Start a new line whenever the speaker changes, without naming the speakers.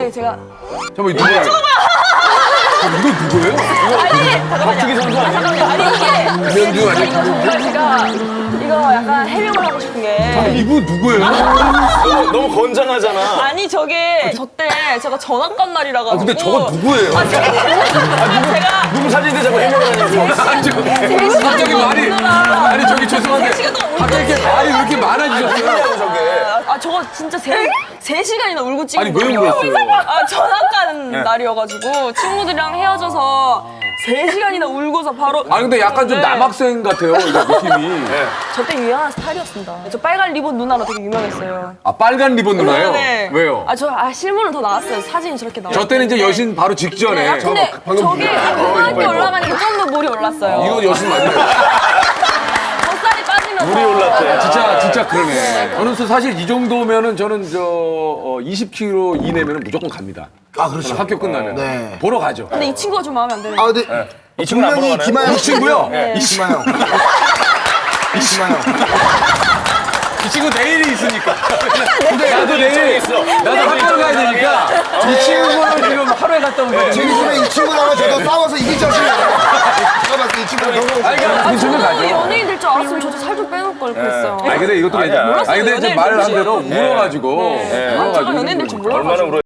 제가
잠깐만, 이거 누구야? 이거 누구예요?
아니
박주기 선수 아니야?
잠깐만요. 아니 이게
김현주 아니야?
이거 정말 제가 이거 약간 해명을 하고 싶은 게
이분 누구예요?
너무 건장하잖아.
아니 저게 저때 제가 전학 간 날이라 가지고
근데 저거 누구예요?
제가
누구 사진인데 자꾸 해명을 하냐고.
아니, 갑자기 말이. 아니, 저기 죄송한데. 갑자기 이렇게 말이 왜 이렇게 많아지셨어요?
저게.
아 저거 진짜 3시간이나 울고 찍은
아니, 왜
거예요.
울었어요?
아 전학 간 날이어가지고 친구들이랑 헤어져서 3시간이나 울고서 바로
아니, 근데 약간 좀
네.
남학생 같아요, 이거 느낌이.
저때 유행한 스타일이었습니다. 저 빨간 리본 누나로 되게 유명했어요.
아, 빨간 리본 누나요?
네.
왜요?
실물은 더 나왔어요. 사진이 저렇게 나왔어요.
저 때는 이제 여신 바로 직전에.
근데 저게 고등학교 올라가니까 좀 더 물이 올랐어요.
이거 여신 맞네요.
젖살이 빠지면서
물이 올랐대.
진짜 그러네. 저는 사실 이 정도면은 저는 20kg 이내면은 무조건 갑니다.
아, 그렇죠.
학교 끝나면.
네.
보러 가죠.
근데 이 친구가 좀 마음에 안 드네요.
아, 근데
이 친구는 안
분명히
보러
김하영
이 친구요?
네.
이시마영. 이시마영.
이 친구 내일이 있으니까.
네.
나도 내일, 나도 학교 가야 되니까. 이 친구는 지금 하루에 갔다 오거든요.
제 기준에 이 친구랑 저도 싸워서 이길 자신이 없어요. 제가 봤을 때 이 친구가 너무.
그 친구
저도
가죠.
연예인 될 줄 알았으면 저도 살 좀 빼놓을 걸 그랬어요.
아니 근데 이것도
아니야.
아니 근데 이제
연예인
말을 한
되지.
대로 울어가지고.
제가 연예인 될 줄 몰라가지고.
얼마나 울어.